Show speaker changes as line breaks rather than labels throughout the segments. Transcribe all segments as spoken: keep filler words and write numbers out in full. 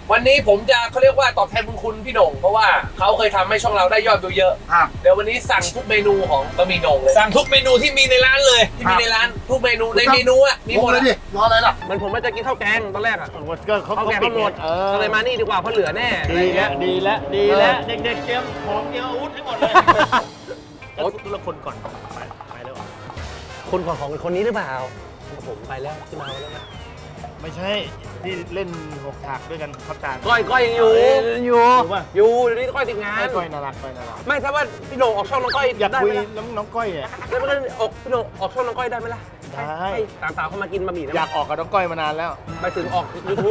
วันนี้ผมจะเขาเรียกว่าตอบแทนบุญคุณพี่โหน่งเพราะว่าเขาเคยทำให้ช่องเราได้ยอดวิวเยอะเดี๋ยววันนี้สั่งทุกเมนูของบะหมี่โหน่งเลย
สั่งทุกเมนูที่มีในร้านเลย
ที่มีในร้านทุกเมนูในเมนูอ่ะมีหมด
เลยดิรออะไรล่ะ
มันผมว่าจะกินข้าวแกงตอนแรกอ่ะ
ก็เขาเขาปิดหมดเออ
ก็เลยมานี่ดีกว่าเพราะเหลือแน่
ดีแล้วดีแล้วดีแล้วเด็กๆเตรียมของเตรียมอาวุธให้หมดเลยโอ้ทุกคนก่อนไปไปแล้ว
คนก่อนของคนนี้หรือเปล่าผมไปแล้วที่มาแล้วนะ
ไม่ใช่ที่เล่นหกฉากด้วยกันครับจาน
ก้อยก้อยยังอยู่อยู่อยู่เดี๋ยวนี้ก้อยติดงาน
ก้อยน่ารักก้อยน่ารัก
ไม่ถ้าว่าพี่โหน่งออกช่องน้องก้อย
อยากคุยน้องน้องก้อยอ่ะ
แล้วมันก็ออกพี่โหน่งออกช่องน้องก้อยได้ไหมล่ะ
ได้
สามสาวเขามากินบะหมี่
อยากออกกับน้องก้อยมานานแล้ว
ไปถึงออกยูทูบ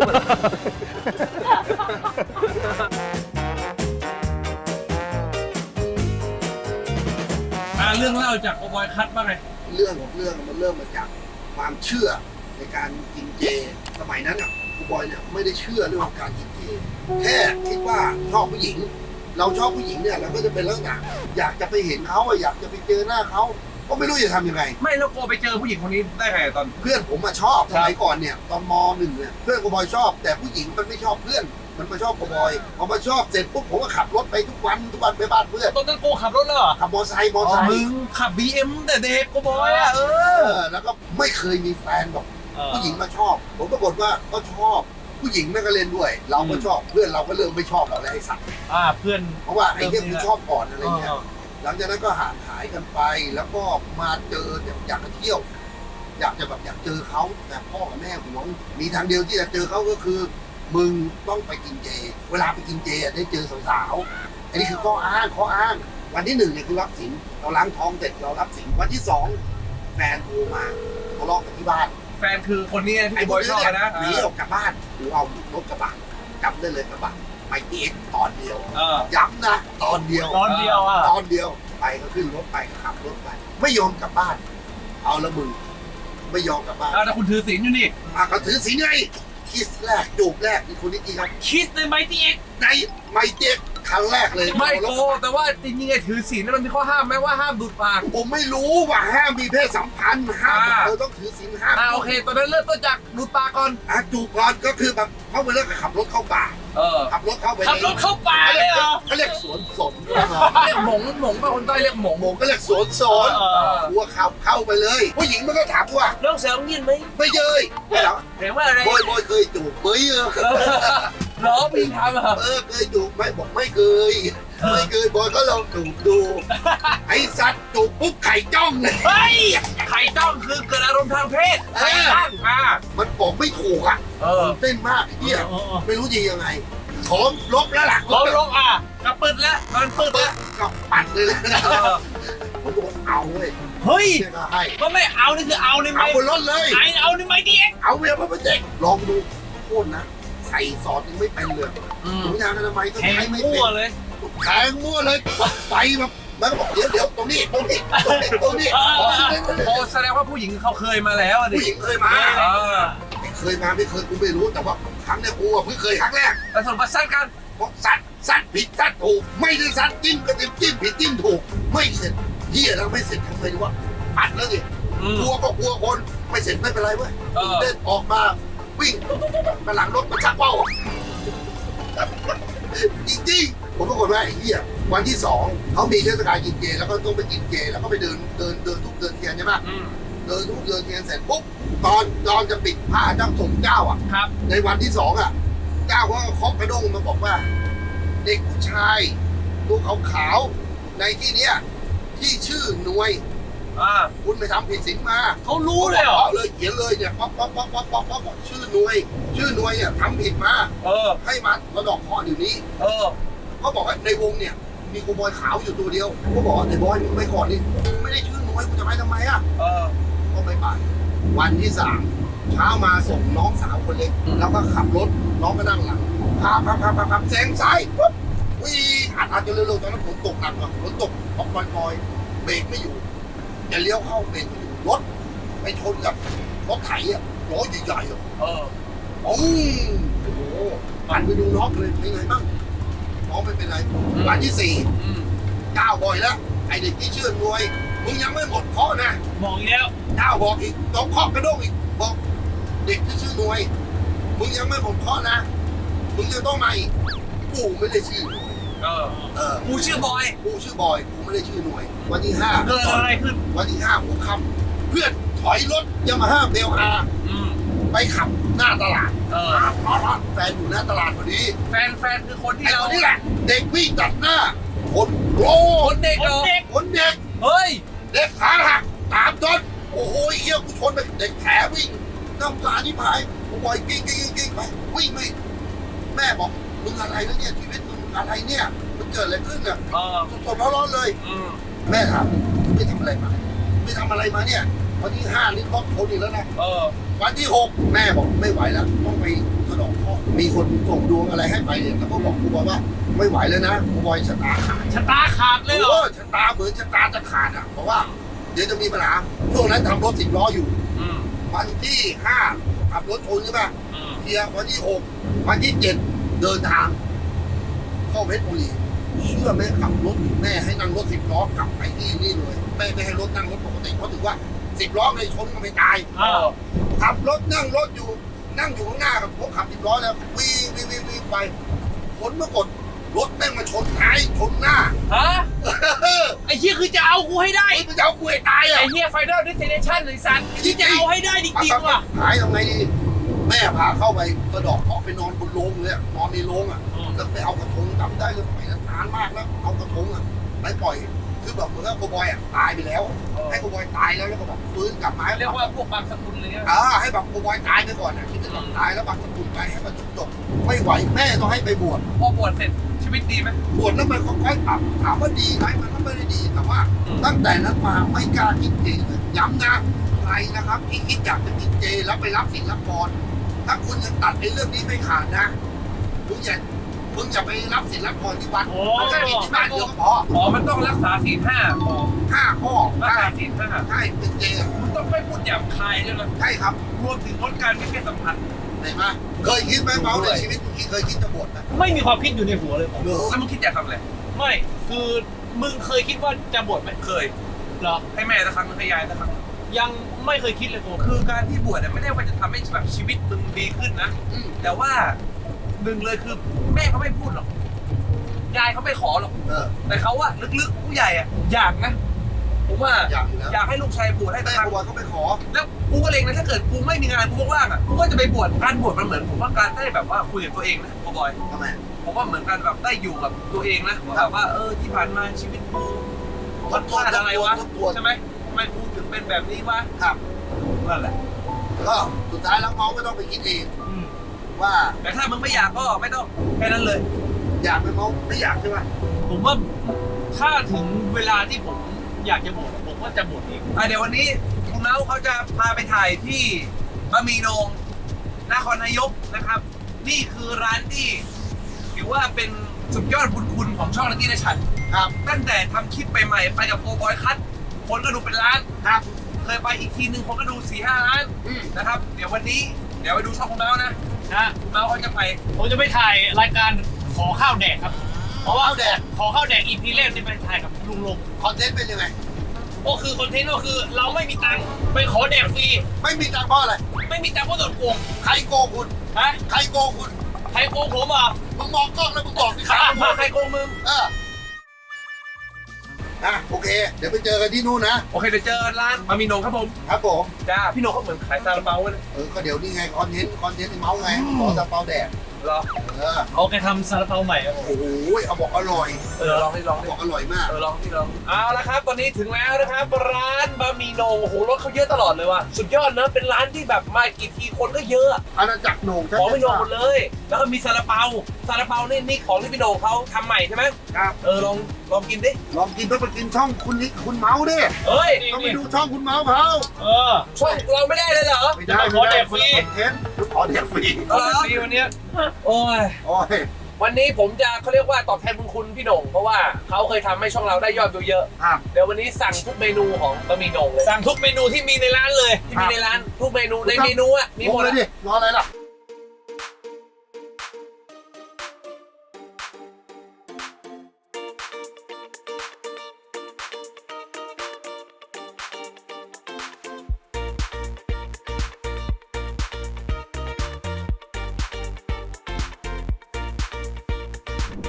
เรื่องเล่าจากโอบอยคัทบ้างไง
เรื่องของเรื่องมันเริ่มมาจากความเชื่อในการกินเจสมัยนั้นอ่ะครูบอยเนี่ยไม่ได้เชื่อเรื่องของการกินเจแค่คิดว่าชอบผู้หญิงเราชอบผู้หญิงเนี่ยเราก็จะเป็นลักษณะอยากจะไปเห็นเขาอยากจะไปเจอหน้าเขาก็ไม่รู้จะทำยังไง
ไม่แล้วโกไปเจอผู้หญิงคนนี้ได้ไงตอน
เพื่อนผมมาชอบสมัยก่อนเนี่ยตอนมหนึ่งเนี่ยเพื่อนครูบอยชอบแต่ผู้หญิงมันไม่ชอบเพื่อนมันมาชอบครูบอยพอมาชอบเสร็จปุ๊บผมก็ขับรถไปทุกวันทุกวันไปบ้านเพื่อน
ตอนนั้นโกขับรถเหรอ
ขับมอเตอร์ไซค์มอเตอร์ไซค์
มึงขับ บี เอ็ม แต่เด็กโกบอยอ่ะเออ
แล้วก็ไม่เคยมีแฟนแบบผู้หญิงมาชอบผมปรากฏว่าก็ชอบผู้หญิงแม่ก็เล่นด้วยเราก็ชอบเพื่อนเราก็เริ่มไม่ชอบเราแล้วไอ้สัตว์
อ่าเพื่อน
เพราะว่าไอ้เนี่ยคือชอบก่อนอะไรเงี้ยหลังจากนั้นก็ห่างหายกันไปแล้วก็มาเจออยากจะเที่ยวอยากจะแบบอยากเจอเขาแต่พ่อกับแม่หวงมีทางเดียวที่จะเจอเขาก็คือมึงต้องไปกินเจเวลาไปกินเจได้เจอสาวๆอันนี้คือข้ออ้างข้ออ้างวันที่หนึ่งเนี่ยคือรับสินเราล้างท้องเสร็จเรารับสินวันที่สองแฟนโทรมาทะเลาะกันที่บ้าน
แฟนคือคนนี้ที่ไอ้บอยชอบนะ
หนีออกจากบ้านกูเอารถกระบะจำได้เลยกระบะไปเอ็กตอนเดียวย้ำนะตอนเดียว
ตอนเดียวอ่ะ
ตอนเดียวไปก็ขึ้นรถไปขับรถไปไม่ยอมกลับบ้านเอาละมึงไม่ยอมกลับบ้าน
แต่คุณถือศีลอยู่นี่
อ่ะก็ถือศีลไงคิสแรกจูบแรกนี่คนนี้จริงครับ
คิสในไมตี้เอ็ก
ในไมตี้เอ็กครั้งแรกเลย
ไม่โกแต่ว่าจริงๆไอ้ถือศีลนั้นมันมีข้อห้ามไหมว่าห้ามดูดปาก
ผมไม่รู้ว่าห้ามมีเพศสัมพันธ์ห้ามเราต้องถือศีลห้าม
อ่าโอเคตอนนั้นเริ่มต้นจากดูดปากก่อน
อ่ะจูบก่อนก็คือแบบเขาไปเลิกขับรถเข้าป่า
เออ
ขับรถเข้าไป
ขับรถเข้าป่าเลยเหรอ
เขาเรียกสวนสน
เรียกหมงหมงป่ะคนใต้เรียกหมง
หมงก็เรียกสวนสนวัวขับเข้าไปเลยผู้หญิงมันก็ถามว่า
น้องสาวยินไหม
ไม่เยยไม่หรอ
เห็นว่าอะไร
บอยบอยเคยจูบไหมเออ
ล้อพี่ทำเหรอ
เออเคยจูบไหมบอกไม่เคยไม่เคยบอยก็ลองจูบดูไอ้สัตว์จูบปุ๊บไข่จ้องเลย
เฮ้ยไข่จ้องคือเกิดอารมณ์ทางเพศไข่ตั้งมา
มันบอกไม่ถูกอ่ะเต้นมากเฮียไม่รู้จะยังไงขอลบแล้วล่ะ
ลบลบอ่ะกระปืดแล้วมันปืดแล้ว
กับปัดเลยนะผมบอกเอาเลย
เฮ้ยก็ไม่เอานี่คือเอาในไม้
เอาบนรถเลย
ไอเอาในไม้ดิเอ็ก
เอาเมียพระประเจกลองดูโคตรนะใส่ซอสยังไม่เป็นเลยถุงยางอนามัยก็ใช้ไม่เป็น
เลย
แทงมั่วเลยไฟแบบมันบอกเดี๋ยวเดี๋ยวตรงนี้ตรงนี้ตรงนี้ตรงนี้
โอ้แสดงว่าผู้หญิงเขาเคยมาแล้ว
ผู้หญิงเคยมาเคยมาไม่เคยกูไม่รู้แต่ว่าครั้งนี้กูเพิ่งเคยครั้งแรก
แต่ส่วนมาสั้นกัน
บอกสัตว์สัตว์ผิดสัตว์ถูกไม่ได้สัตว์จิ้มก็จิ้มจิ้มผิดจิ้มถูกไม่เสร็จเหี้ยแล้วไม่เสร็จทำไงดีวะปัดแล้วสิกลัวก็กลัวคนไม่เสร็จไม่เป็นไรเว้ยเดินออกมาวิ่งมาหลังรถมาชักเป้าจริงๆผมปรากฏว่าไอ้เหี้ยวันที่สองเขามีเทศกาลกินเจแล้วก็ต้องไปกินเจแล้วก็ไปเดินเดินเดินทุกเดินเทียนใช่ไหมเดินทุกเดินเทียนเสร็จปุ๊บตอนตอนจะปิดผ้าเจ้าสมเจ้าอ่ะในวันที่สองอ่ะเจ้าก็เคาะกระด้งมาบอกว่าเด็กผู้ชายตัวขาวๆในที่เนี้ยที่ชื่อหน่วยคุณไปทำผิดศีลมา
เขารู้เลยเหรอ
เลยเขียนเลยเนี่ยป๊อปป๊อปป๊อปป๊อปป๊อปป๊อปชื่อหน่วยชื่อหน่วยเนี่ยทำผิดมา
เออ
ให้มาระดอกคอเดี๋ยวนี้
เออ
เขาบอกว่าในวงเนี่ยมีกูบอยขาวอยู่ตัวเดียวเขาบอกไอ้บอยมึงไปก่อนดิไม่ได้ชื่อหน่วยกูจะไปทำไมอ่ะ
เออ
ก็ไม่ไปวันที่สามเช้ามาส่งน้องสาวคนเล็กแล้วก็ขับรถน้องก็นั่งหลังพาพาพาพาพาแซงซ้ายปุ๊บวิ่งอัดอัดจนเร็วๆตอนนั้นฝนตกหนักอ่ะฝนตกออกปล่อยๆเบรกไม่อยู่จะเลี้ยวเข้าเบรกไม่อยู่รถไปชนกับรถไถอ่ะล้อใหญ่ๆอ่ะ
เออ
โอ้โหหันไปดูน้องเลยเป็นไงบ้างน้องไม่เป็นไรวันที่สี่เจ้าบ่อยแล้วไอเด็กที่เชื่อรวยมึงยังไม่หมดข้อนะ
บอกอีกแล้ว
เจ้าบอกอีกต้องข้อกระด้งอีกบอกเด็กที่ชื่อรวยมึงยังไม่หมดข้อนะมึงจะต้องมาอีกกูไม่ได้ชื่อ
เออ
เออ
กูชื่อบอย
กูชื่อบอยกูไม่ได้ชื่อหน่วย วันที่ห้า
เกิดอะไรขึ้น
วันที่ห้าหัวค่ำเพื่อนถอยรถยามาฮ่าเบลอาร์
อืม
ไปขับหน้าตลาด
เออ
แฟนอยู่หน้าตลาดพอดี
แฟนแฟนคือคนที่
ไอ้
เรา
คนนี้แหละ เด็กวิ่งตัดหน้า คนโกร
ค
ธ
นเด็กเหรอ
คนเด็ก
เฮ้ย
เด็กขาหักตามจนโอ้โหเฮียกูชนไปเด็กแผลวิ่งน้ำตาที่หายกูบอยกิ้งกิ้งกิ้งกิ้งไปวิ่งไม่แม่บอกมึงอะไรนะเนี่ยชีวิตมึงอะไรเนี่ยมันเกิดอะไรขึ้นอ่ะ
เออ
สดๆร้อนๆเลย
อืม
แม่ถามไม่ทำอะไรมาไม่ทำอะไรมาเนี่ยวันที่ห้านี่รถชนอีกแล้วนะ
เออ
วันที่หกแม่บอกไม่ไหวแล้วต้องไปสะดอกเคราะห์มีคนส่งดวงอะไรให้ไปเนี่ยแล้วก็บอกกูบอยว่าไม่ไหวแล้วนะกูบอยชะตาขาด
ชะตาขาดเลยเหรอ
โอ้ชะตาเหมือนชะตาจะขาดอ่ะเพราะว่าเดี๋ยวจะมีปัญหาช่วงนั้นทำรถสิบล้ออยู่
อืม
วันที่ห้าขับรถชนใช่ไหม
อืม
เคลียร์วันที่หกวันที่เจ็ดเดินทาง เข้าเพชรบุรีเชื่อแม่ขับรถอยู่แม่ให้นั่งรถสิบล้อกลับไปที่นี่เลยแม่ไม่ให้รถนั่งรถปกติเพราะถือว่าสิบล้อในชนก็ไม่ตาย
เออ
ขับรถนั่งรถอยู่นั่งอยู่ข้างหน้ากับผมขับสิบล้อแล้ววิ่งวิ่งวิ่งวิ่งไปผลปรากฏรถแม่งมาชนท้ายชนหน้า
ฮะไอ้เหี้ยคือจะเอากูให้ได้
ไอ้มันจะเอากูให้ตายอ่ะ
ไอ้เหี้ยไฟนอลดิสเทเนชั่นไอ้สัตว์ที่จะเอาให้ได้จริงๆว่ะ
หายทำไงดีแม่พาเข้าไปกระดอกเคาะไปนอนบนโรงเลยอะนอนในโรงอ่ะแล้วไปเอากระทงจำได้เลยสมัยนั้นนานมากแล้วเอากระทงอ่ะไปปล่อยคือแบบเหมือนกับโกบอยอ่ะตายไปแล้ว ให้โกบอยตายแล้วแล้วก็แบบฟื้นกลับมาให้
เรียกว่าพวกบางสกุลเลยเนี่ย
อ่าให้แบบโกบอยตายไปก่อนอ่ะคิดว่าแบบตายแล้วบางสกุลไปให้มันจบจบไม่ไหวแม่ต้องให้ไปบวช
พอบวชเสร็จชีวิตดีไหม
บวชแล้วมันค่อยๆปรับถามว่าดีไหมมันก็ไม่ได้ดีแต่ว่า ตั้งแต่นั้นมาไม่กล้ากินเจเลยย้ำนะใครนะครับที่คิดอยากจะกินเจแล้วไปรับศีลรับพรถ้าคุณยังตัดในเรื่องนี้ไม่ขาดนะมึงอย่ามึงอย่าไปรับศีลรับพรที่วัดมันก็กินที่บ้านเดียวก็พอ
อ๋อมันต้องรักษาศีลห้า
ห้าข้อ
รัก
ได้
ษาศีลห้า
ใช่เป็นเจอะ
มึงต้องไม่พูดหยาบคายด้วยนะ
ใช่ครับ
รวมถึงลดการมีเพศสัมพันธ์
เห็นไหมเคยคิดไหมเมาในชีวิตมึงคิดเคยคิดจะบวชไหม
ไม่มีความคิดอยู่ในหัวเลยผม
เหรอ
แล้วมึงคิดอยากทำอะไร
ไม่คือมึงเคยคิดว่าจะบวชไหม
เคย
เหรอ
ให้แม่สักครั้งให้ยายสักครั้ง
ยังไม่เคยคิดเลยผม
คือการที่บวชเนี่ยไม่ได้ว่าจะทำให้แบบชีวิตมึงดีขึ้นนะ
อืม
แต่ว่าหนึ่งเลยคือแม่เขาไม่พูดหรอกยายเขาไม่ขอหรอก
เออ
แต่เขาอะลึกๆผู้ใหญ่อะอยากนะผมว่า
อยากอยู่แล้ว
อยากให้ลูกชายบวชให้
แม่
ทาง
โกบอยก็ไปขอ
แล้วกูก็เลงนะถ้าเกิดกูไม่มีงานกูว่างๆอะกูก็จะไปบวชการบวชมันเหมือนผมว่าการได้แบบว่าคุยกับตัวเองนะโกบอย
ทำไม
ผมว่าเหมือนกันแบบได้อยู่กับตัวเองนะแบบว่าเออที่ผ่านมาชีวิตกูมันพลาดอะไรวะ
ทบทวน
ใช่ไหมทำไมกูถึงเป็นแบบนี้วะ
ครับ
นั่นแหละ
ก็สุดท้ายแล้วเมาก็ต้องไปคิดเอง
อืม
ว่า
แต่ถ้ามึงไม่อยากก็ไม่ต้องแค่นั้นเลย
อยากไหมเมาไม่อยากใช่ไหม
ผมว่าถ้าถึงเวลาที่ผมอยากจะบวชผมก็จะบวชเอง
อ่ะเดี๋ยววันนี้คุณเมาส์เขาจะพาไปถ่ายที่บะหมี่โหนงนครนายกนะครับ นี่คือร้านที่ถือว่าเป็นสุดยอดบุญคุณของช่องนักกีฬาฉัน
ครับ
ตั้งแต่ทำคลิปไปใหม่ไปกับโกบอยคัทคนก็ดูเป็นล้าน
ครับ
เคยไปอีกทีนึงคนก็ดูสี่ห้าล้าน
อืม
นะครับ เดี๋ยววันนี้เดี๋ยวไปดูช่องคุณเมาส์นะ
นะ
คุณเมาส์เขาจะไป
ผมจะไปถ่ายรายการขอข้าวแดกครับ เพราะว่า
ข้าวแดก
ขอข้าวแดกอีพีแรกที่ไปถ่ายกับลุงลง
คอนเทนต์เป็นยังไง
ก็คือคอนเทนต์ก็คือเราไม่มีตังค์ไปขอแดกฟรี
ไม่มีตังค์เพราะอะไร
ไม่มีตังค์เพราะโดนโกง
ใครโกงคุณ
ฮะ
ใครโกงคุณ
ใครโกงผมอ่ะ
มึงมองกล้องแล้วมึงบอกดิใคร
ถามว่าใครโกงมึง
เอออ่ะโอเค เดี๋ยวไปเจอกันที่นู่นนะ
โอเคเดี๋ยวเจอร้านบะหมี่โหนงครับผม
ครับผม
จ้าพี่โหนงเขาเหมือนขายซาลาเปาเลย
เออ ก็เดี๋ยวนี่ไงคอนเทนต์ คอนเทนต์ไอ้เมาส์ไงขอซาเปาแดด
เหรอ
เออ
เอาแกทำซาลาเปาใหม่ครับผม
โอ้โหเอาบอกอร่อย
เออลองดิลองดิ
บอกอร่อยมาก
เออลองที่ลองเอาละครับตอนนี้ถึงแล้วนะครับร้านบะหมี่โหนงโอ้โหรถเขาเยอะตลอดเลยว่ะสุดยอดนะเป็นร้านที่แบบมากี่ทีคนก็เยอะ
อาณาจักรโหน่ง
ของพี่โหนงหมดเลย แล้วก็มีซาลาเปาซาลาเปานี่นี่ของที่พี่โหนงเขาทำใหม่ใช่ไหม
ครับ
เออลองลองกินดิ
ลองกินต้องไปกินช่องคุณนิกคุณเมาส์ดิ
เฮ้ย
ต้องไปดูช่องคุณเมาส์เขา
เออ
ช่องเราไม่ได้เลยเหรอ
ไม่ได้
ขอแดกฟรี
คอนเทนต์ขอแดกฟรี
เออฟรีวันเนี้ยโอ้ย
โอ้ย
วันนี้ผมจะเขาเรียกว่าตอบแทนบุญคุณพี่โหนงเพราะว่าเขาเคยทำให้ช่องเราได้ยอดวิวเยอะ
ครับ
เดี๋ยววันนี้สั่งทุกเมนูของบะหมี่โหนงเลย
สั่งทุกเมนูที่มีในร้านเลย
ที่มีในร้านทุกเมนูในเมนูอ่ะมี
มี
ห
ห
ม
ม
ด
ดเล
เลย ย
ดิ รออะไรล่ะ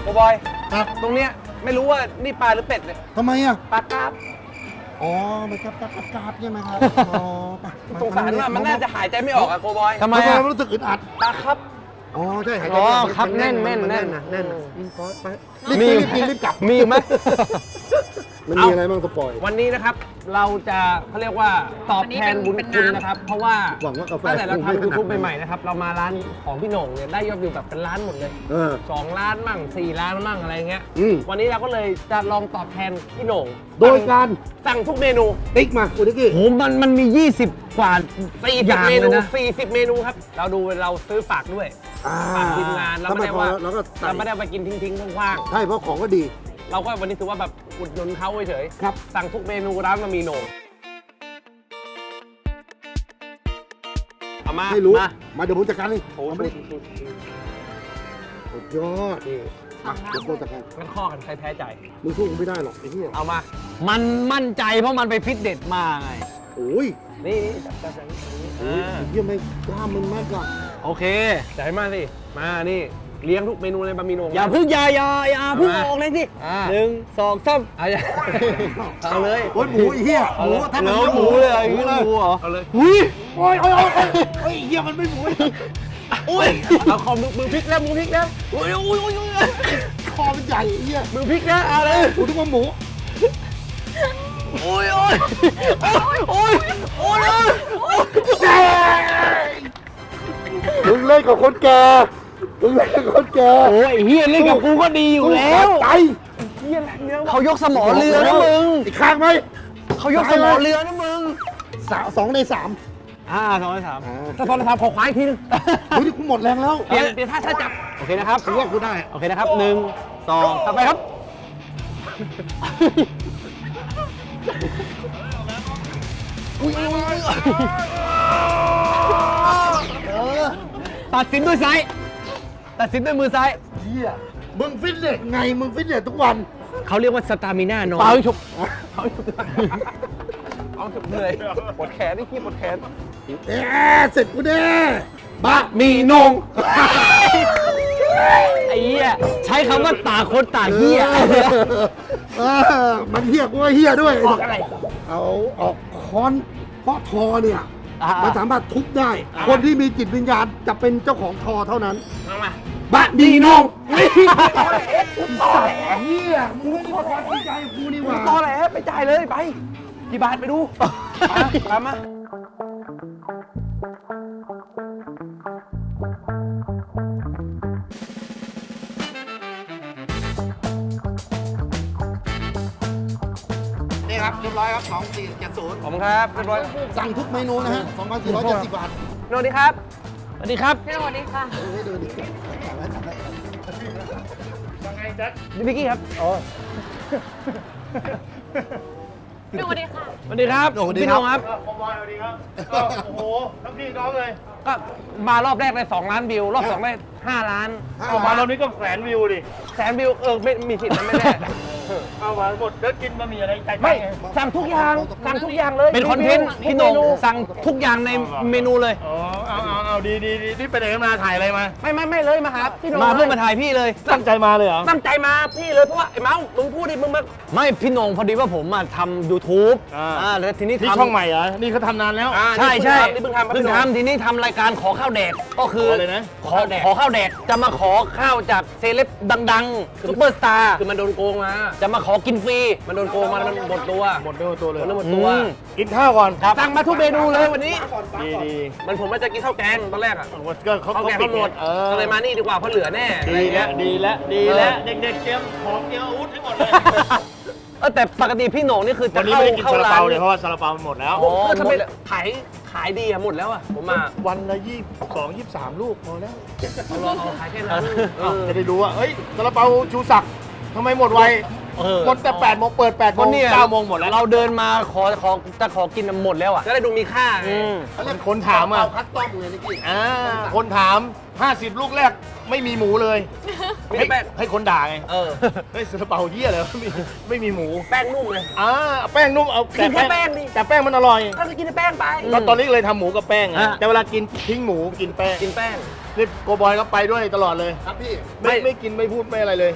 โอ้บอย
ครับ
ตรงเนี้ยไม่รู้ว่านี่ปลาหรือเป็ดเนี่ย
ทำไมอ่ะ
ปลากราบ
อ๋อมันกับกับกราบใช่ไหมครับอ๋อไป
สงสารว่ามันน่าจะหายใจไม่ออกอะโกบอย
ทำไม
ทำไม
อ่ะ
มันรู้สึกอึดอัด
ปลาครับ
อ๋อใช่หายใจ
อ๋อ
ไม่ก
ครับ
มั
แน่น
มั
แน่น
มั
แน่น
นะแน่นนะรีบพอดไป
มี
รีบกินรีบกลับ
มีอยู่ไหม
มันมีอะไรบ้างสปอย
วันนี้นะครับเราจะเขาเรียกว่าตอบแทนบุญคุณนะครับ เพราะว่า
หวังว่ากาแฟ
ตั้งแต่เรา
คงไม่
ทำยูทูบ
ขนาดนั้น
ใหม่ๆนะครับเรามาร้านของพี่โหน่งเนี่ยได้ยอดวิวแบบเป็นล้านหมดเลย
เออ
สองล้านมั่งสี่ล้านมั่งอะไรเงี้ย
อืม
วันนี้เราก็เลยจะลองตอบแทนพี่โหน่ง
โดยการ
สั่งทุกเมนู
ติ๊กมาคุณดิกกี้
โหมันมันมี ยี่สิบ กว่า
สี่
อ
สิบ
ย่าง
เม
เล
นู
ยนะ
สี่สิบเมนูครับเราดูเราซื้อฝากด้วย
อ่า
ฝากทีมงานเรา
ถ้า
ไม่
ไม่
ได้
พอ
ว่า
แล้วก็ใส่
เราไม่ได้ไปกินทิ้งๆว่าง
ใช่เพราะของก็ดี
ๆเราก็วันนี้ถือว่าแบบอุดหนุนเขาเฉยๆ
ครับ
สั่งทุกเมนูร้านมามีโหน่งเอามา
ให้รู้
มา
มาเดี๋ยวผมจัดการเลย
โอ้โห
เอามาดิสุดยอด
นี่
มาเดี๋ยวผมจัดการ
งั้นข้อกันใครแพ้ใจ
มึงสู้กูไม่ได้หรอกไอ้เหี้ย
เอามา
มันมั่นใจเพราะมันไปฟิตเนสมาไง
โอ้ย
นี่นี่จับจับอย่างนี้อย่างนี้
โอ้ยไอ้เหี้ยไม่กล้ามมันมากกว่า
โอเค
จ่ายมาสิ มานี่เลี้ยงทุกเมนูในบะหมี่โหน่ง
อย่า
นะ
เพึ่งอย่าอย่าอย่าเพึ่งออกเลยสิ
อ่า
หนึ่งสองสามเอาอย่า
เอาเลย
โอ้ยหมูไอ้เหี้ยหมูถ้ามัน
เหลือหมูเลยอ่ะอย่างนี้เลยหมูเหรอ
เอาเลย
อุ้ย
โอ้ยโอ้ยโอ้ยโอ้ยไอ้เหี้ยมันไม่หมู
อุ้ยเอาคอมมือมือพลิกแล้วมือพลิกแล้ว
อุ้ยอุ้ยอุ้ยอุ้ย
คอมันใหญ่ไอ้เหี้ย
มือพลิกแล้วเอาเลย
กูนึกว่าหมู
อุ้ยอุ้ยอุ้ยอุ้ย
มึงเล่นกับคนแก่มึงเล่นกับคนแก่
โอ้ยเฮียเล่นกับกูก็ดีอยู่แล้ว
ใจ
เขายกสมอเรือนะมึง
อีกข้างไหม
เขายกสมอเรือนะมึง
สามสองในสาม
อ่าสองในสาม
ถ้าตอนทำขอควายอีกทีนึง
เฮ้ยนี่กูหมดแรงแล้ว
เปลี่ยนเปลี่ยนท่าท่าจับ
โอเคนะครับ
กูว่ากูได้
โอเคนะครับหนึ่งสองต่อไปครับตัดสินด้วยซ้ายตัดสินด้วยมือซ้าย
เหี้ยมึงฟิตเนสไงมึงฟิตเนสทุกวัน
เขาเรียกว่าสตามิน่าน้อย
เปล่าฉุกเอาฉุกเอาฉุกเหนื่อยปวดแขนนี่ขี้ปวดแขน
เอ๊ะเสร็จกูแน่บะ
มีนงไอ้เหี้ยใช้คำว่าต่างคนต่างเหี้ย
เออมันเหี้ยกูว่าเหี้ยด้วย
ออกอะไร
เอาออกค้อนเพราะทอเนี่ย
อ่ามั
มันสามารถทุบได้ คนที่มีจิตวิญญาณจะเป็นเจ้าของทอเท่านั้น
เอามา
บะดีนงสัตว์เหี้ยมึงไม่ได้ความจริงใจกับกูนี่หว่า
ตอแหลไปจ่ายเลยไปกี่บาทไปดูตามมา
นี่ครับเรียบร้อยครับสองสี่เจ็ดศูนย์
ขอบคุณครับเรียบร้อย
สั่งทุกเมนูนะฮะสองพันสี่ร้อยเจ็ดสิบบาท
สวัสดีครับ
สวัสดีครับ
พี่สวัสดีค่ะ
เฮ้ยดูดิสั่งไว้สั่งไว้
นี่พิกกี้ครับอ๋อ
พี่สวัสดีค่ะ
สวัสดีครับพี่นงครับ
โอ้โห ทั้งพี่น้องเลย
ก็มารอบแรกได้สองล้านวิว รอบสองได้ห้าล้าน
เอามารอบนี้ก็แสนวิวดิ
แสนวิวเออไม่มีสิทธิ์นะไม่แน่
เอามาหมดแล้วกินบะหมี่อะไรใจ
ไม่
ไง
สั่งทุกอย่างสั่งทุกอย่างเลย
เป็นคอนเทนต์พี่นงสั่งทุกอย่างในเมนูเลย
อ๋อ เอาเอาเอาดีดีดีนี่ไปไหนกันมาถ่ายอะไรมา
ไม่ไม่ไม่เลยมาหาพี่โหนง
มาเพื่อมาถ่ายพี่เลย
ตั้งใจมาเลยเหรอ
ตั้งใจมาพี่เลยเพราะว่าไอ้เมาส์มึงพูดดิมึงมา
ไม่พี่นงพอดีว่าผมมาทำ YouTube
อ่า
อ่าแล้วทีนี้
นี่
ทำ
ช่องใหม่เหรอ นี่เขาทำนานแล้ว
อ่า
ใช่ใช่
นี่เพิ่งทำ
เพิ่งทำทีนี้ทำรายการขอข้าวแดกก็คือ
ขออะไรนะ
ขอขอข้าวแดกจะมาขอข้าวจากเซเลบดังๆซุปเปอร์สตาร์
คือมันโดนโกงมา
จะมาขอกินฟรี
มันโดนโกงมาแล้วมันหมดตัว
หมดเนื้อตัวเลย
มันหมดตัว
อืม
กินข้าวก่อน
สั่งมาทุกเมนูเลยวันนี้
ดีดี
มันผมว่าจะกินข้าวแกงตอนแรกอ่ะ
ก็เขา
ข้าว
เขา
แกง
ปิ
เขาหมด
เออ
ก็เลยมานี่ดีกว่าเพราะเหลือแน่อะไร
ดี
อย่าง
แล้
เงี้
วย ดีแล้วดีแล้วเด็กๆเตรียมของเตรียมอาวุธให้หมดเลย
เออแต่ปกติพี่โหน่งนี่คือจะ
วันนี้
เข้า
ไม่ได้กิน
เข้า
ซาลา
ร้า
เปาน เนี่ยเพราะว่าซาลาเปามันหมดแล้ว
อ๋อ
ก็ทำไมขายขายดีอะหมดแล้วอะผมมา
วันละยี่สองยี่สามลูกพอแล้ว
เอาลองเอาขายแค่นั้นเออ
จะได้รู้ว่าเฮ้ยซาลาเปาชูศักดิ์ทำไมหมดไว
เออ
หมดแต่แปดโมงเปิดแปดโม
วัน
ง
นี้
เก้าโมงหมดแล้ว
เราเดินมาขอขอจะขอกินหมดแล้วอ่ะ
จะได้ดูมีค่าไง
อืม
คนถามอ่ะ
คัสตอมเลยนี่กี้
อ่าคนถาม ห้าสิบ ลูกแรกไม่มีหมูเลย
ไม่
ให้
ได้แป้ง
ให้คนด่าไง
เออ
เฮ้ยซาลาเปาเหี้ยเลยไม่มีไม่มีหมู
แป้งนุ่มเลย
อ่าแป้งนุ่มเอา
กินแค่แป้งดิ
แต่แป้งมันอร่อย
ก็คือกินแต่แป้งไป
ตอนตอนนี้เลยทำหมูกับแป้ง
อ่ะ
อะแต่เวลากินทิ้งหมูกินแป้ง
กินแป้ง
นี่โกบอยก็ไปด้วยตลอดเลย
ครับพี่
ไม่
ไม่
ไม่กินไม่พูดไม่อะไรเลย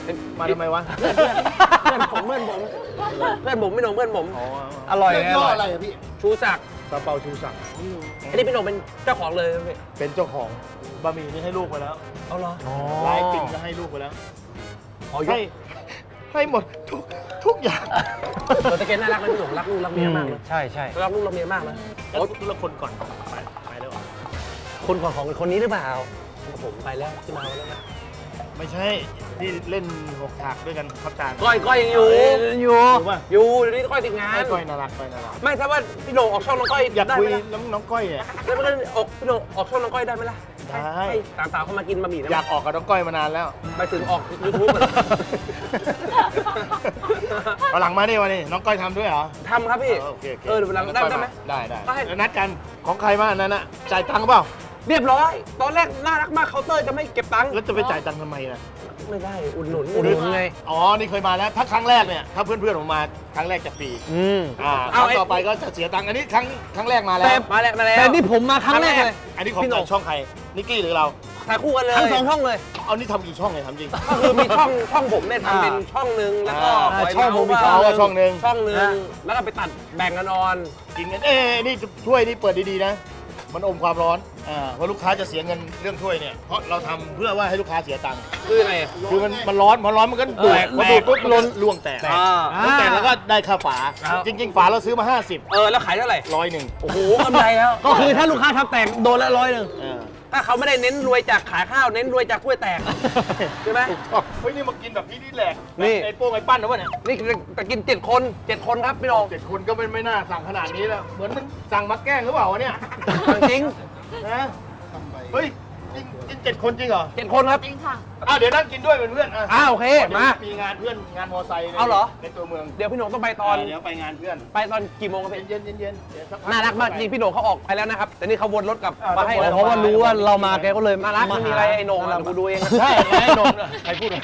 มาทำไมวะ
เพื่อนผมเพื่อนผมเพื่อนผมพี่โหน่งเพื่อนผมอร่อย
เรื่อง
นะ
ย่อ
อ
อะไร
ร่อย
อะพี่
ชูศักดิ์
ซาเปาชูศักดิ์
อันนี้พี่โหน่งเป็นเจ้าของเลยครับพี่
เป็นเจ้าของบะหมี่นี่ให้ลูกไปแล้ว
เอาเหรอ
ลายติ่งก็ให้ลูกไปแล้ว
อ๋อ
ให้ให้หมดทุกทุกอย่าง
ตัวตะเกียนน่ารักนะพี่โหน่งรักลูกรักเมียมากเลย
ใช่ใช่
รักลูกรักเมียมากนะ
แล้วทุกคนก่อนไปไปแล้วเหรอ
คนของของคนนี้หรือเปล่าผมไปแล้วที่มาแล้วนะ
ไม่ใช่ที่เล่นหกฉากด้วยกันครับจาน
ก้อยก้อยยังอยู่
อยู่
รู้ป่ะ
อยู่เดี๋ยวนี้ก้อยติดงาน
ให้ก้อยน่ารักก้อยน่ารัก
ไม่ถ้าว่าพี่โหน่งออกช่องน้องก้อย
อยาก
ได้
คุ
ไห
ย
มล่ะ
น้องน้องก้อยอ่ะ
แล้วมันก็ออกพี่โหน่งออกช่องน้องก้อยได้ไหมล่ะ
ได้
ให้สามสาวเข้ามากินบะหมี่นะ
อยากออกกับน้องก้อยมานานแล้ว
ไปถึงออกยูทูบเหรอ
เอาหลังมาดิวันนี้น้องก้อยทำด้วยเหรอ
ทำครับพี่
เออโอเคโอเค
เออเดี๋ยววันหลังได้ได้ไหม
ได้ได้
ได้
แล้วนัดกันของใครมาอันนั้นอะจ่ายตังค์เปล่า
เรียบร้อย ตอนแรกน่ารักมากเคาน์เตอร์จะไม่เก็บตังค์
แล้วจะไปจ่ายตังค์ทำไมล่ะ
ไม่ได้อุดหนุน
อุดหนุน
ไง
อ๋อนี่เคยมาแล้วถ้าครั้งแรกเนี่ยถ้าเพื่อนๆผมมาครั้งแรกจะฟรี
อืม
อ่าค
เอา
รั้ง
ไอ้
ต่อไปก็จะเสียตังค์อันนี้ครั้งครั้งแรกมาแล้ว
แต่มาแล้วมาแล้ว
แต่นี่ผมมาครั้งแรกเลย
อันนี้ของ
พี่โหน่ง
ช่องใครนิกกี้หรือเรา
ถ่ายคู่กันเลย
ทั้งสองช่องเลย
เอานี่ทำกี่ช่องเลยทำจริง
ก็คือมีช่องช่องผมเนี่ยทำเป็นช่องหนึ่งแล้วก็
อ่า
ปล่ย
ช่องผมมี
เาส์
ช่องหนึ่ง
ช่องหนึ่ง
อ่า
แล้วก็ไปตัดแบ่งกันนอน
กินกันเอ้ยนี่ถ้วยนี่เปิดดีๆนะ มันอมความร้อนอ่าเพราะลูกค้าจะเสียเงินเรื่องถ้วยเนี่ยเพราะเราทำเพื่อว่าให้ลูกค้าเสียตังค์
คือยังไง
คือมันมันร้อนพอร้อนมันก็ดูด
แตก
พอดูดปุ๊บมันล้นล่วงแตก
อ่า
แล้วแตกแล้วก็ได้ค่าฝา
ครับ
จริง ๆ ฝาเราซื้อมาห้าสิบ
เออแล้วขายเท่าไหร่
ร้อยหนึ่ง
โอ้โหกำไรแล้ว
ก็คือถ้าลูกค้าทำแตกโดนละร้อยหนึ่ง
เออ
ถ้าเขาไม่ได้เน้นรวยจากขายข้าวเน้นรวยจากกล้วยแตกใช่ไหม
ถูกต้องเฮ้ยนี่มากินแบบพี่นี่แหลก
นี่
ไอ้โป้งไอ้ปั้นนะวะเนี่ย
นี่จะกินเจ็ดคนเจ็ดคนครับพี่น้อง
เจ็ดคนก็ไม่ไม่น่าสั่งขนาดนี้แล้วเหมือนมันสั่งมาแกล้งหรือเปล่าวะเนี่ย
จริง
นะเฮ้ยกินกินเจ็ดคนจริงเหรอ
เจ็ดคนครับ
จริงค่ะ
อ้าวเดี๋ยวนั่งกินด้วยเป็นเพื่อนอ่ะ
อ้าวโอเคมา
มีงานเพื่อนงานมอไซค์ใน
เอาเหรอ
ในตัวเมือง
เดี๋ยวพี่โหน่งต้องไปตอน
เดี๋ยวไปงานเพื่อน
ไปตอนกี่โมงครับพี่
เย็นเย็นเย็นๆเดี๋ยวสัพั
น่ารักมากจริงพี่โหน่งเขาออกไปแล้วนะครับ แต่นี่เขาวนรถกลับ
อ่า
มาให้
ต้อง
แล้ว
เพราะว่ารู้ว่าเรามาแกก็เลย
น่ารักไม่มีอะไรไอ้โหน่งอะกูดูเอง
ใช่ไอ้นมเนี่ยใครพูดวะ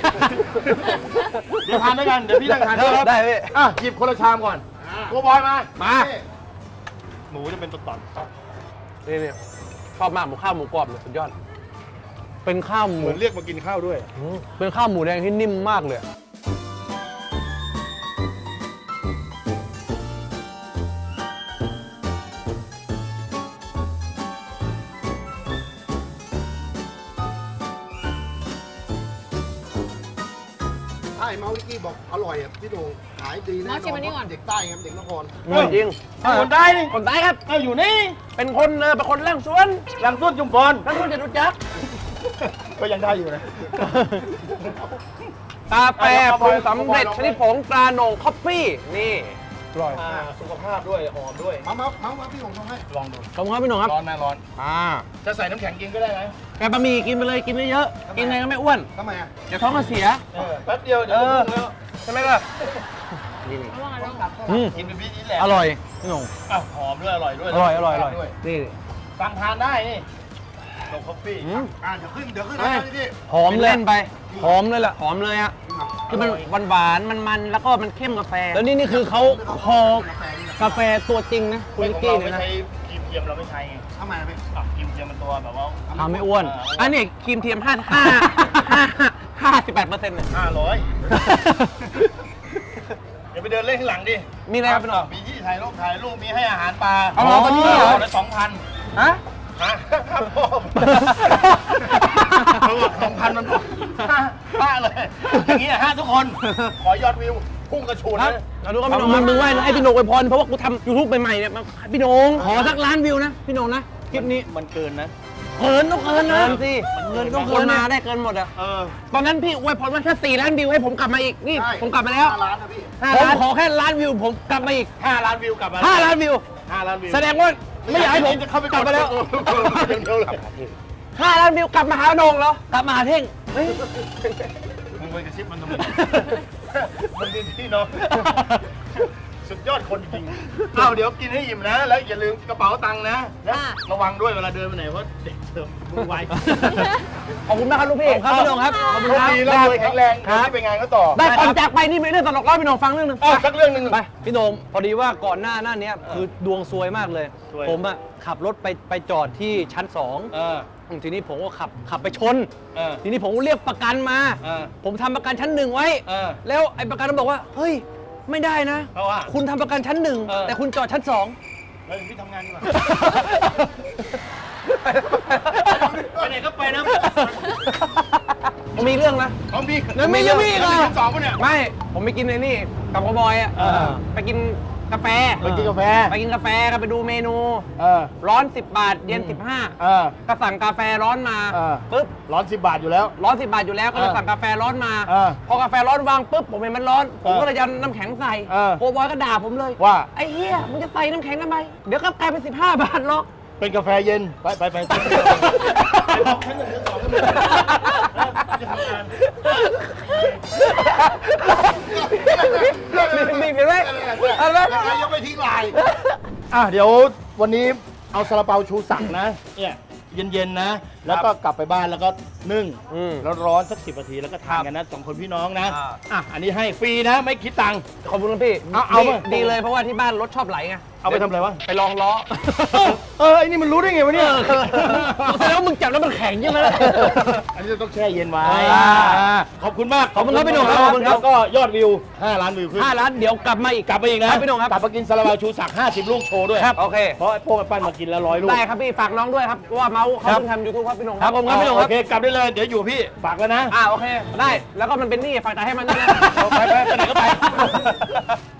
เดี๋ยวทานด้วยกันเดี๋ยวพี่นั่งทานด้วยครับ
ได้พี่
อ่ะหยิบคนละชามก่อนโกบอยมา
มา
หมูจะเป็นตอน
นี่นี่ชอบมากหมูข้าวหมูกรอบเนี่ยสุดยอด
เป็นข้าวห
ๆเห
มู
มือนเรียกมากินข้าวด้วย
เป็นข้าวหมูแดงที่นิ่มมากเลย
ใช่เมาส์ลิกกี้บอกอร่อยอ่ะพี่โดงขายดีแน่น
เมาส์ชิมอันนี้ก่อน
เด็กใต้ครับเด็กนคร
อร่อยจริง
คนได้นี่
คนใต้ครับ
เอาอยู่นี่
เป็นคนเออเป็นคนแร่งสวน
หลังสุดจุมพร
ท่านผู้จะรู้จัก
ก็ยังได้อยู่นะ
กาแฟปรุงสำเร็จชนิดผงตราโหน่งคอฟฟี่นี่
อร่อย
อ่าสุขภาพด้วยหอมด้วย
มามามามาพี่โดงทำให้
ลองดู
ขอบคุณครับพี่หนุ่มครับ
ร้อนไหมร้อน
อ่า
จะใส่น้ำแข็งกินก็ได้นะ
แกบะหมี่กินไปเลยกินเยอะๆกินไงก็ไม่อ้วน
ทำไมอ่ะ
เดี๋ยวท้องก็เสีย
เออแป๊บเดียวเดี๋ยวก็พุ่งแล้ว
ใช่ไหมล่ะ
ระวังระวัง
อืม
กินเป็นพี่นี่แหละ
อร่อยพี่หนุ่ม
อ่ะหอมด้วยอร่อยด้วย
อร่อยอร่อยอร่อย
ด้วย
นี่
สั่งทานได้นี่ลงคอฟฟี่
อืม
อ่าเดี๋ยวขึ้นเดี๋ยวขึ้น
เฮ้
นะ
ย
พี่
หอมเลย
เล่นไป
หอมเลยล่ะ
หอมเลยอะคือมันหวานหวานๆมันๆแล้วก็มันเข้มกาแฟ
แล้วนี่นี่คือเขาห่อกาแฟตัวจริงนะคุณ
ไม่
ลิก
ของ
กี้
เรา
เนี่ย
ไม่
นะ
ใช้ครีมเทียมเราไม่ใช้ไง
ทำไมอ่ะพี่
อ่ะครีมเทียมมันตัวแบบว่า
ทำไม่อ้วน
อันนี้ครีมเทียมห้าห้าห้าห้าสิบแปดเปอร์เซ็นต์เนี่ย
ห้าร้อยเดี๋ยวไปเดินเล่นข้างหลังดิ
มีอะไรครับพี่หนุ่ม
มีที่ถ่ายรูปถ่ายรูปมีให้อาหารปลา
เอาเหรอตอนนี้เหรอ
ละสองพัน
ฮะ
ฮะครับพ่อเขาบอกสองพันมันห้าห้าเลยอย่างเงี้ยห้าทุกคน ขอยอดวิวพุ่งกระชูน
ครับ
เลย
เราดูกันพี่หนุ่มมึงมึงไหว้นะให้พี่หนุ่มอวยพรเพราะว่ากูทำยูทูบใหม่ๆเนี่ยมาพี่หนุ่มขอสักล้านวิวนะพี่หนุ่มนะคลิปนี้
มันเกินนะ
เกินต้องเกินนะสิ
เงิน
ต้
ต้
อ
อง ง
เกิ
เกิ
น
น
มา
นะ
ได้เกินหมดอะ
เออ
ตอนนั้นพี่อวยพรว่าถ้าสี่ล้านวิวให้ผมกลับมาอีกนี่
ใช่
ผมกลับมาแล้ว
ห้าล้านนะพี่
ผมขอแค่ล้านวิวผมกลับมาอีก
ห้าล้านวิวกลับมา
ห้าล้านวิว
ห้าล้านวิว
แสดงว่าไม่อยากให้ผม
จะเข้าไป
กลับมาแล้ว
อย่างเดียวเลย
ห้าล้านวิวกลับมาหาโหนงเหรอกลับมาหาเท่งเฮ้ย
มึงไปกระซิบมันทำไมมันดีที่เนาะสุดยอดคนจริงอ้าวเดี๋ยวกินให้อิ่มนะ แล้วอย่าลืมกระเป๋าตังค์นะและระวังด้วยเวลาเดินไปไหนเพราะเด็กเติมมือไว
ขอบคุณมากครับลูกพี่ครับพี่โหนงครับขอบคุณครับ
ดีแล้วรวยแข็งแรง
ครับ
ที่ไปงานก็ต่อ
ได้ก่อนจากไปนี่มีเรื่องตลกเล่าให้พี่โหนงฟังเรื่องหนึง
อ้าวสักเรื่องหนึ่ง
ไปพี่โหนมพอดีว่าก่อนหน้าหน้าเนี้ยคือดวงซวยมากเลย
ซวย
ผมอะขับรถไปไปจอดที่ชั้นสอง
เออ
ทีนี้ผมก็ขับขับไปชน
เออ
ทีนี้ผมก็เรียกประกันมา
เออ
ผมทำประกันชั้นหนึ่งไว้
เออ
แล้วไอ้ประกันมันบอกว่า เฮ้ย ไม่ได้นะ
เพราะว่า
คุณทำประกันชั้นหนึ่ง
เออ
แต่คุณจอดชั้นสอง
แล้วพี่ทำงานดีกว่าไปไหนก็ไปนะ
ผมมีเรื่องนะ
ของพี่
แล้วมียังมีอีกเหรอ
ชั้นสองปะเนี่ย
ไม่ ผมไปกินไอ้นี่กับกบอยอ่ะ
เออ
ไปกินกาแฟ
ไปกินกาแฟ
ไปกินกาแฟกันไปดูเมนู
เออ
ร้อนสิบบาท เย็นสิบห้า
เออ
ก็สั่งกาแฟร้อนมา
เออ
ปุ๊บ
ร้อนสิบบาทอยู่แล้ว
ร้อนสิบบาทอยู่แล้วก็เลย
เออ
สั่งกาแฟร้อนมา
เออ
พอกาแฟร้อนวางปุ๊บผมเห็นมันร้อน ผม
เออ
ก็เลยยันน้ำแข็งใส่
เออ
โกบอยก็ด่าผมเลย
ว่า
ไอ้เหี้ยมึงจะใส่น้ำแข็งทำไม เดี๋ยวก็กลายเป็นสิบห้าบาทหรอก
เป็นกาแฟเย็น ไปไปไปไปบอกชั้นหนึ่งชั้นสองก็มีจะทำงาน
มีเห็นไหมเห็นไหม
ยังไม่ทิ้งลาย
อ่ะเดี๋ยววันนี้เอาซาลาเปาชูศักดิ์นะ เนี่ยเย็นๆนะ แล้วก็กลับไปบ้านแล้วก็นึ่ง
อืม
แล้วร้อนสักสิบนาทีแล้วก็ทานกันนะสองคนพี่น้องนะ
อ่า
อ่ะอันนี้ให้ฟรีนะไม่คิดตังค์
ขอบคุณครับพี่
เอาเอา
ดี
มา
ดีเลยเพราะว่าที่บ้านรถชอบไหลไง
เอาไปทำอะไรวะ
ไปลองล้อ
เออเออไอ้นี่มันรู้ได้ไงวะเนี่ย
แสดงว่ามึงจับแล้วมันแข็งใช่ไหมล่ะ
อันนี้ต้องแช่เย็นไว้
อ่า
อ่าขอบคุณมาก
ขอบคุณครับพี่หนุ่มครับขอบคุณครับ
แล้วก็ยอดวิวห้าล้านวิวขึ้น
ห้าล้านเดี๋ยวกลับมาอีก
กลับไปอีกนะครับ
พี่หนุ่มครับ
กลับมากินซาลาเปาชูศักดิ์ห้าสิบลูกโชว์ด้วย
ครับโอเค
เพราะไอ้พวกไอ้ปั้นมากินแล้วร้อยลูก
ได้ครับพี่ฝากน้องด้วยครับเพราะว่าเมาส์เขา
ครับ
เพิ่งทำยูทูบครับพี่หนุ่ม
ครับผมครับพี่หนุ่ม
โอ
โอ
เค
เคกลับได้เลยเดี๋ยวอยู่พี่ฝากแล้วนะ
อ่าโอเคได้แล้วก็มันเป็นหนี้ฝากจ่ายให้มันด้วยนะ
ไปไปไปไหนก็ไป